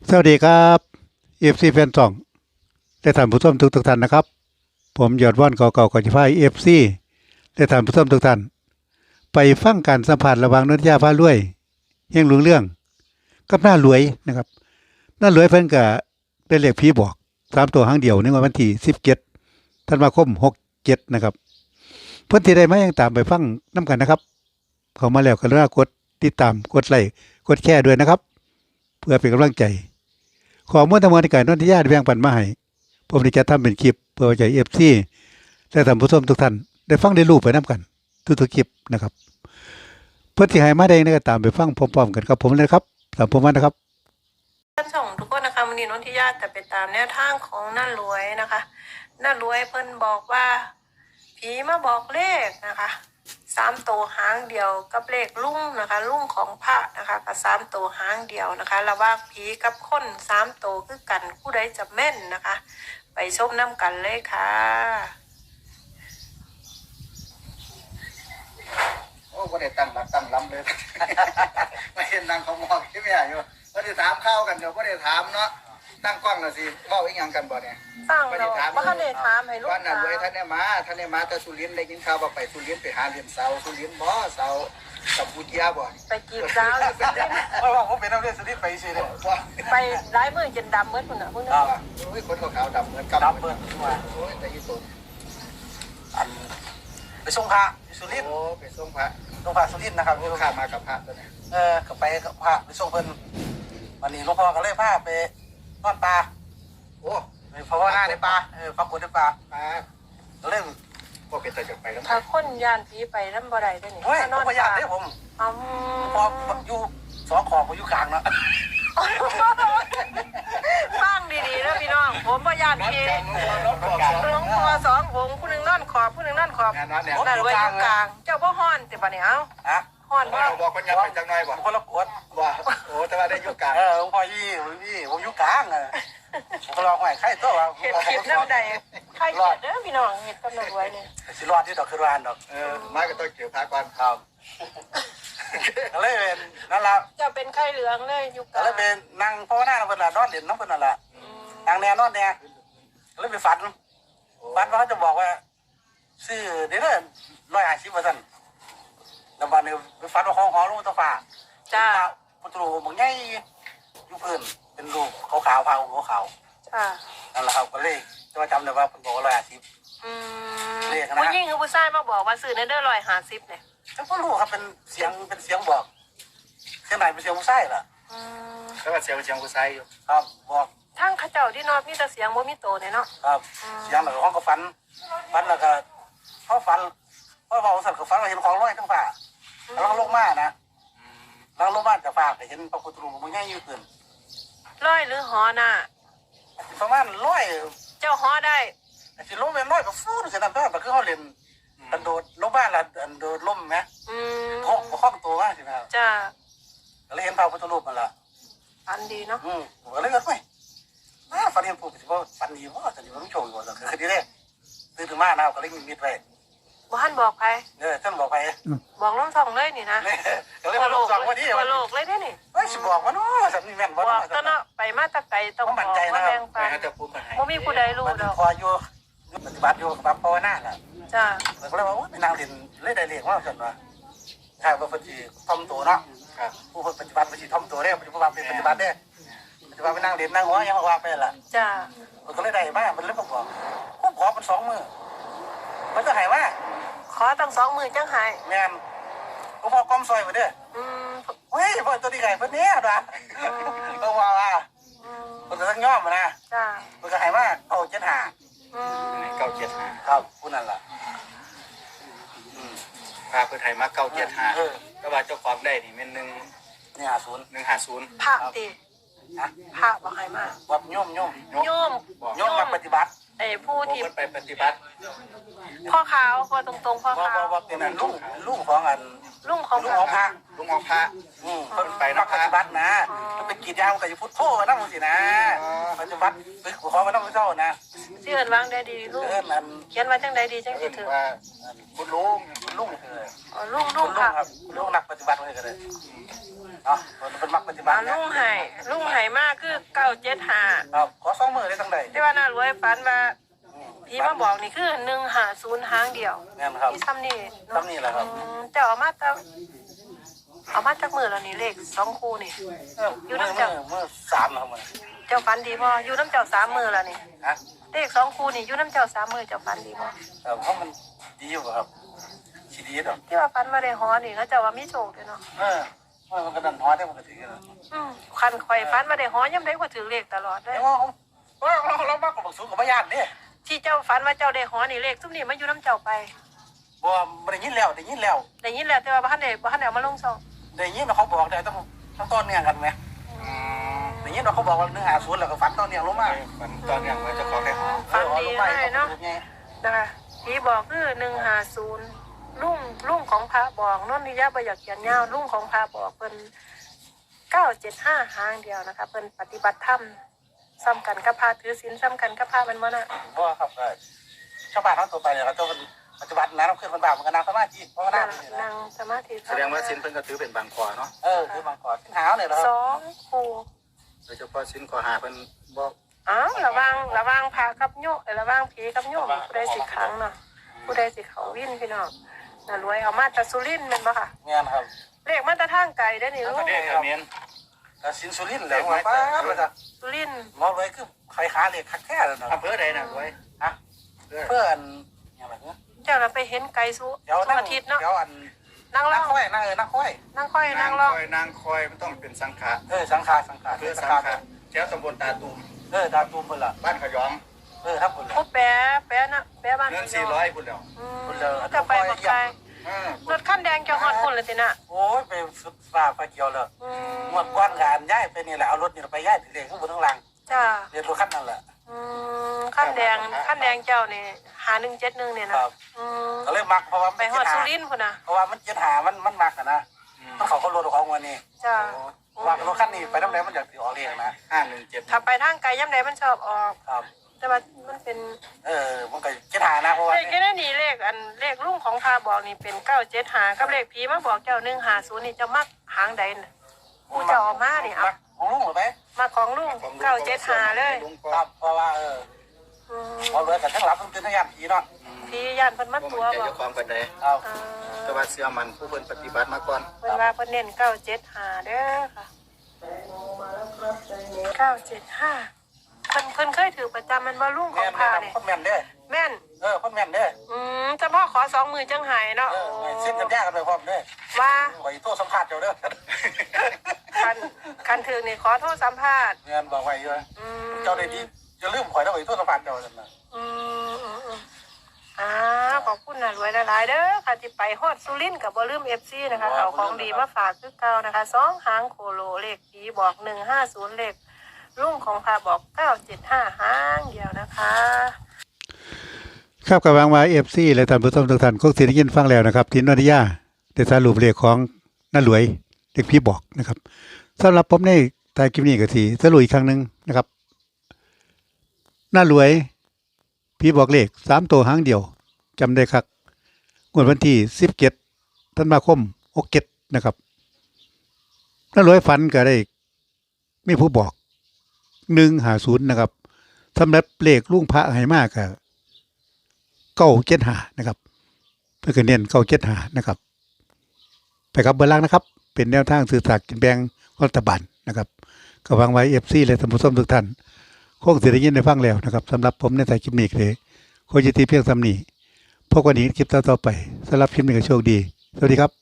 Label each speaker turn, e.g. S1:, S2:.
S1: สวัสดีครับเอฟซีแฟนซองและท่านผู้ชมทุกท่านนะครับผมยอดว่านเก่าๆก่อนจะพาเอฟซีและท่านผู้ชมทุกท่านไปฟังการสัมผัสระหว่างนนทยาพารวยเฮงหลวงเรื่องกับหน้ารวยนะครับหน้ารวยเพิ่นก็ได้เลขผีบอก3ตัวหางเดียวในวันที่17ธันวาคม67นะครับเพิ่นสิได้มายังตามไปฟังนํกันนะครับเข้ามาแล้วก็กรุณากดติดตามกดไลค์กดแชร์ด้วยนะครับเพื่อเป็นกำลังใจข้อมูลทั้งหมดที่การนนทยาได้แบ่งปันมาให้ผมได้จัดทำเป็นคลิปเพื่อให้ FC และท่านผู้ชมทุกท่านได้ฟังได้รู้ไปนํกันทุกๆคลิปนะครับเพื่อที่ให้มาได้ก็ตามไปฟังพร้อมๆกันครับผมเลยครับตามผมมานะครับ
S2: ท่านส่งทุกคนนะคะวันนี้นนทิยาจะไปตามแนวทางของน้ารวยนะคะน้ารวยเพิ่นบอกว่าผีมาบอกเลขนะคะ3ตัวหางเดียวกับเลขลุ่งนะคะลุ่งของพระนะคะกับ3ตัวหางเดียวนะคะระหว่างผีกับคน3ตัวคือกันผู้ใดจะแม่นนะคะไปชมน้ำกันเลยค่ะ
S3: โอ้ก็ได้ตั้งหลักตั้งลำเลย ไม่เห็นนางเขามองที่ไม่อยู่ก็ได้ถามข้าวกันเดี๋ยวก็ได้ถามเนาะตั้งกล้องน่ะสิเว้าอีกอย่างกันบ่เนี่ย
S2: สร้างเราบ่ทันได้ถามให้ลูก
S3: วันนั้นเลยท่านเนี่ยมาแต่สุรินทร์ได้ยินข่าวว่าไปสุรินทร์ไปหาเรียนเสาสุรินทร์บ่เสากัมพูชาบ่
S2: ไปกีบสาวอยู่เป็นเล่น
S4: เพราะว่าผมเป็นนักเรียนสุรินทร์ไปสิเนี่ย
S3: บ่
S2: ไปร้ายมือจนดำเหมือนพุ่นน่ะพุ่นน่ะ
S3: โอ้ยคนขาวๆดำเหมือนกับ
S4: รับเปิดมา
S3: โอ้ยแต่อีตุน
S4: อันไปส่งพระที่สุรินทร์
S3: โอ้ไปส่งพระ
S4: ส่งพระสุรินทร์นะครับ
S3: ลูกค้ามากับพระตัวนี้
S4: ก็ไปกับพระไปส่งเพิ่นวันนี้หลวงพ่อก็เลยพาไปนอนป่า
S3: โอ้
S4: ไปภาวนาในป่าฟังบทในป่า
S3: มา
S4: ก็เลย
S3: บ่เป็นตาจะไปแล้ว
S2: ถ้าคนย่านผีไปนำบ่ได้เด้อนี่
S4: เฮ้ย
S2: ถ้าน
S4: ต้
S2: อ
S4: อน งพยานเนี่ยผม
S2: อ๋อ
S4: พออยู่สองขอบผมอยู่กลางเนาะ
S2: ฟังดีๆนะพี่น้องผมบ่ย่านผี
S3: รถบอกสอง
S2: หลวงพ่อสององค์ผู้หนึงนอนขอบผู้หนึงนอนขอบ
S3: งานนั้นเนี่ย
S2: นั่นไว้อยู่กลางเจ้าบ่ฮ้อนติบัดนี้เอ้า
S4: ฮะ
S2: ฮ้อนบ่
S3: เราบอกคนยังไปจังหน่อยบ่
S4: คนละกวด
S3: ว่าโอ้แต่ว่าได้ยุคกลาง
S4: หลวงพ่อยี่ผมอยู่กลางผมก็ลองไหวไข่ตัวว่า
S2: เฮ็ดคลิปนำใดใครเกิดเด้อพี่น้องเฮ็ดกำลังไว้นี่
S4: สิรอดที่ดอกคือรานดอก
S3: มาก็ต้องเกี่ยวพาก่อน
S4: ครับก็เลยเป็นนั่นละ
S2: เจ้าเป็นไข้เหลืองเลยอยู่ก
S4: ก็
S2: ลาง
S4: เลยเป็นนั่งภาวนาเพิ่นน่ะนอนเด่นน้องเพิ่นนั่นแหละนั่งแน่นอนแน่ก็เลยไปฝันว่าเขาจะบอกว่าซื้อเดี๋ยว150ว่าซั่นแล้วบัดนี้ไปฝันว่าของหอลงตะฟ้า
S2: จ้า
S4: พุทธรูปบางใหญ่อยู่พื้นเป็นรูปขาวๆผ้าห่มขาว
S2: จ้า
S4: ๆนั่นแหละครับก็เลยจะมาจำได้ว่าเพิ่นบอกว่า150
S2: อืม
S4: เลขนะ
S2: ผู้หญิงกับผู้ชายมาบอกว่าซื้อในเด้อ150เนี่ย
S4: แต่บ่รู้ครับเป็นเสียงบอกเสียงไหนเป็นเสียงผู้ชายล่ะ
S2: อืม
S3: แล้วก็เสียงผู้ชายอยู่
S4: ครับบอก
S2: ทั้งเขาเจ้าที่นอนมีแต่เสียงบ่มีโตเนี่ยเนาะ
S4: ครับเสียงแล้วก็ห้องก็ฝันแล้วก็พอฝันพอเบาสั่นก็ฝันว่าเห็นของลอยทั้งฟ้าแล้วก็ลงมานะแล้วลงมาจากฟ้าไปเห็นพระพุทธรูปมันง่ายอยู่ขึ้น
S2: ร้อยหรือหอน่ะ
S4: ประมาณร้อย
S2: เจ้าหอได้
S4: สิลงเป็นร้อยก็ฟูดเสียน้ำตาแบบคือเขาเล่นอันโดดลงบ้านละอันโดดล่มไหม
S2: อืม
S4: ห้องตัวมากใช่ไหมครับ
S2: จ้า
S4: ก็เลยเห็นพระพุทธรูปมันละ
S2: อันดีเนาะ
S4: ผมก็เลยก็ไม่ฝันเห็นปู่สิว่าฝันดีว่าจะดีว่าไม่โชว์อยู่ว่าคือดีเลยตื่นขึ้นมานะก็เลยมิดไว้
S2: บ่ทันบอกใคร
S4: ท่านบอกไป
S2: บอกน้องส่องเลยนี่นะ
S4: ก็เลยมาลงสองวันนี้
S2: ตัวโลกเลยเด้นี่
S4: เฮ้ยสิบอกว่าเนาะสำนีแม่น
S2: บ
S4: ว่า
S2: อกตะเนาะไปมาแตะไกลต้องบอกว่าแบ่ง
S3: ไป
S2: ปัน
S3: หาแต่ปูมาให้
S2: บ่มีผู้ใดรู้
S4: มัน
S2: ดอก
S4: พออยู่ปฏิบัติอยู่กับภาวนาแหละ
S2: จ้า
S4: ก็เลยว่าไปนางเรียนเลยได้เรียนว่าสันว่าใช่ว่าปฏิท่อมตัวเนาะ
S3: ครับ
S4: ผู้ปฏิบัติปฏิท่อมตัวเนี่ยปฏิบัติเป็นปฏิบัติเนี่ยปฏิบัติไปนั่งเรียนนั่งหัวยังว่าไปละ
S2: จ้า
S4: มันก็เลยได้มากมันเลยบอกผมขอเป็น2 มือมันจะหายว่า
S2: ขอตั้ง2มื้อจังหาย
S4: แม่นหลวงพ่อกอมซอยมาเด้อ
S2: อืม
S4: เฮ้ยพ่อตัวนี้ไก่เพิ่นเนี้ยนะก็ว่ามันก็ต้องย่อมนะ
S2: จ้า
S4: มันก็หายว่าเอา7 หา
S2: อืม
S3: เก้าเจ็ดหา
S4: ครับผู้นั้นล่ะ
S3: พาเพื่อไทยมาเก้าเจ็ดหาก็ว่าเจ้าของได้นี่เป็น
S4: นี่50
S3: 150
S2: พระติ
S4: นะ
S2: พระบ่ให้มา
S4: วัดโยม
S2: โยม
S4: โยมมาปฏิบัติ
S2: ไอ้ผู้
S3: ผู้
S2: ที่
S3: คนไปปฏิบัติ
S2: พ่อขาวว่าตรงๆพ่อขาว
S4: ว่าเป็นลูกของอัน
S2: ลุงของ
S4: ลุงของพระ
S3: ลุงของพระ
S4: เพิ่นไปนักปฏิบัตินะมันเป็นกิจยามกับยุพุทโธนั่งสินะปฏิบัติไปขอมานั่งเจ้านะ
S2: เสื่อนวางได้ดีลุง
S4: เอิ้นอัน
S2: เขียนว่าจังใดดีจังสิ
S3: เอิ้น
S2: ถึง
S3: ว่าคุณลุง
S4: ลุง
S2: อ๋อลุง
S4: ลุง
S2: ค่ะ
S4: ครับลุงนักปฏิบัติเลยก็ได้เนาะเป็นมักปฏิบัตินะ
S2: ลุงไห้มากคือ975
S4: ครับขอ2มื้อได้จังได๋
S2: แต่ว่าน่ารวยฝันว่าผีมาบอกนี่คือ150หางเดียว
S4: แม่นครับ
S2: ที่ซ้ำนี่
S4: ซ้ำนี่แหละครับ
S2: เจ้าเอามาจากมือแล้วนี่เลข2คู่นี่
S4: อยู่น้ำเจ้าเมื่อ3แล้วมื้อ
S2: เจ้าฝันดีบ่อยู่น้ำเจ้า3มือแล้วนี่
S4: ฮะ
S2: เลข2คู่นี่อยู่น้ำเจ้า3มือเจ้าฝันดีบ่
S4: เพราะมันดีอยู่ครับสิดีดอก
S2: ที่ว่าฝันมาได้ฮอนี่เขาเจ้าว่ามีโชคเด้อเนาะ
S4: มันก็ดันฮอดได้มันก็ถือกัน
S2: คันข่อยฝันมาได้ฮอยามใดก็ถือเลขตลอดเด้อ
S4: ว่าเรามากกว่าบักสูงกับบ่ญาติเด้
S2: ที่เจ้าฝันว่าเจ้าได้ฮอนี่เลขซุมนี้มาอยู่น้ำเจ้าไป
S4: บ่ได้ยินแล้ว
S2: ได้ยินแล้วแต่ว่าบ่ทันได้เอามาลงซอง
S4: ได้ยินว่าเขาบอกได้ต้องต้นเนี่ยกันไหมได้ยินว่าเขาบอกว่า150แล้วก็ฟันต้นเนี่ยลงมา
S3: มันตอนนี้มันจะขอแค่หอ
S2: ฝันดีเลยเนาะนะคะผีบอกคือ150ลุงของพระบอกนนทิยาบ่อยากเขียนยาวลุงของพระบอกเพิ่น975หางเดียวนะคะเพิ่นปฏิบัติธรรมซ้ำกันกับพระถือศีลซ้ำกันกับพระมันบ่น่ะ
S4: บ่ครับชาวบ้านทั้งตัวไปเนี่ยเขาต้องปัจจุบันนะเราขึ้นบนบาปมันก็นั่งสมาธิเพราะว่านั่ง
S2: นั่งสมาธิ
S3: แสดงว่าสินเพิ่นก็ถือเป็นบางคอเนาะ
S4: คือบางก่อนขึ้นหาวเนี่ยเหรอครับ
S2: 2คู่
S3: โดยเฉพาะสินข้อหาเพิ่นบ่
S2: อ้าวระวังพระกับโยระวังผีกับโยมผู้ใดสิขังเนาะผู้ใดสิเขาวินพี่น้องน่ารวยเอามาจากสุรินทร์แม่นบ่ค่ะ
S4: เงี้ยครับ
S2: เลขมาแต่ทางไกลได้อนี่ลูก
S3: เด้อเมียน
S4: แต่สินสุรินทร์เลยป้าเลยจ้ะ
S2: สุรินทร์
S4: มองเลยคือใครขาเลยคักแค่เลยนะ
S3: อำเภอใดน่ะรวย
S4: ฮะเพื่อนอย่างไรเนี่ย
S2: เจ้าเราไปเห็นไกลสุ
S4: เดี๋ยวนั่ง
S2: อาทิตย์เนาะ
S4: เดี๋ยวอัน
S2: นั่ง
S4: นั่
S2: ล่
S4: ง
S2: อง
S4: ค่อยนั่งค่อย
S2: นั่งค่อยนั่งล่อง
S3: นางคอยมันต้องเป็นสังขะ
S4: สังขา
S3: คือสังขะแถวตำบลตาตูม
S4: ดาวตูมเพิ่นล่ะ
S3: บ้านขยอง
S4: ครับเพิ่น
S2: ผู้แปะนะแปะบ้าน
S3: เงิน400พุ่นแล้ว
S2: จะไปบอกใคร รถคันแดงจะฮอดคนเลยสินะ
S4: โอ้ยไปสุดฟ้าไฟเขียวเลยหมดก้อนงานย้ายไปนี่แหละเอารถนี่ไปย้ายถึงเด็กข้างบนข้างล่าง
S2: จ้า
S4: เรียนรถคันนั่นแหละ
S2: คันแดงเจ้านี่5171เนี่ยนะครับ
S4: ก็เลยมักเพราะว่า
S2: ไปฮอดสุรินทร์พุ่นน่ะ
S4: เพราะว่ามันเจ็ดหามันมักอะนะมันเขาก็รถของวันนี้
S2: จ้า
S4: ว่ารถคันนี้ไปน้ำแดงมันอยากออกเรียงนะ
S3: 517
S2: ถ้าไปทางไกลย่ำใดมันชอบออก
S4: ครับ
S2: แต่ว่ามันเป็น
S4: มันก็เจ็ดหานะเพราะว่า
S2: เลขแค่นั้นนี่เลขลุงของพาบอกนี่เป็น975กับเลขผีมาบอกเจ้า150นี่จะมักหางใดน่ะกูจะออกมานี่เอา
S4: ของลุงหรือไป
S2: มาของลุง975เลย
S4: ครับเพราะว่าเอาเลยแต่ทั้งหลับทั้งตื่นทั้งยามผีเนาะ
S2: ผีย่านเพิ่นมาตัว
S3: จะ
S2: บอ
S3: เจ้าก ของปานใด
S4: ครับ
S3: แต่ว่าเสื้อมันผู้เพิ่นปฏิบัติมาก่อน
S2: เพิ่นว่าเพิ่นเน้น975เด้อค่ะ975เพิ่นเคยถือประจำมันบ่ลุงข
S4: แม่
S2: อง
S4: น
S2: พา
S4: แม่
S2: นี่
S4: คนแม่นเด้
S2: แม่น
S4: คนแม่นเด้
S2: เฉพาะขอ2มื้อจังหายเนาะ
S4: เส้นกันยากกันไปพร้อมเด้
S2: ว่า
S4: ไว้โทษสัมภาษณ์เจ้าเด้อ
S2: คันถือนี่ขอโทษสัมภาษณ์
S4: เงินบอกไว้เยอะเจ้าได้ดีจะลืมข่อยแล้วไว้โทษสัมภาษณ์เจ้าจังนะ
S2: ขอบคุณนะรวยหลายๆเด้อค่ะที่ไปฮอดสุรินทร์กับบ่ลืม FC นะคะเอาของดีมาฝากคือเก่านะคะ2หางโคโลเลขผีบอก150เลขลุงของพาบอก975หางเดียวนะคะ
S1: ครับกับวางมาFC และท่านผู้ชมทุกท่านคงสิได้ยินฟังแล้วนะครับทินวนิยาได้สรุปเลขของน้ารวยเลขพี่บอกนะครับสำหรับผมในท้ายคลิปนี้ก็สิสรุปอีกครั้งนึงนะครับน้ารวยพี่บอกเลข3ตัวหางเดียวจำได้ครับงวดวันที่17ธันวาคม67นะครับน้ารวยฝันก็ได้มีผู้บอก150นะครับสำหรับเลขลุงพระให้มากก็975นะครับเพื่อเน้น975นะครับไปครับเบอร์ล่างนะครับเป็นแนวทางสื่อสารกินแบ่งรัฐบาลนะครับก็วางไว้ FC และท่านผู้ชมทุกท่านคงสิได้ยินได้ฟังแล้วนะครับสำหรับผมในสายคลิปนี้เลยโคจิตีเพียงซ้ำนี้พบกันอีกคลิปต่อไปสำหรับคลิปนี้ก็โชคดีสวัสดีครับ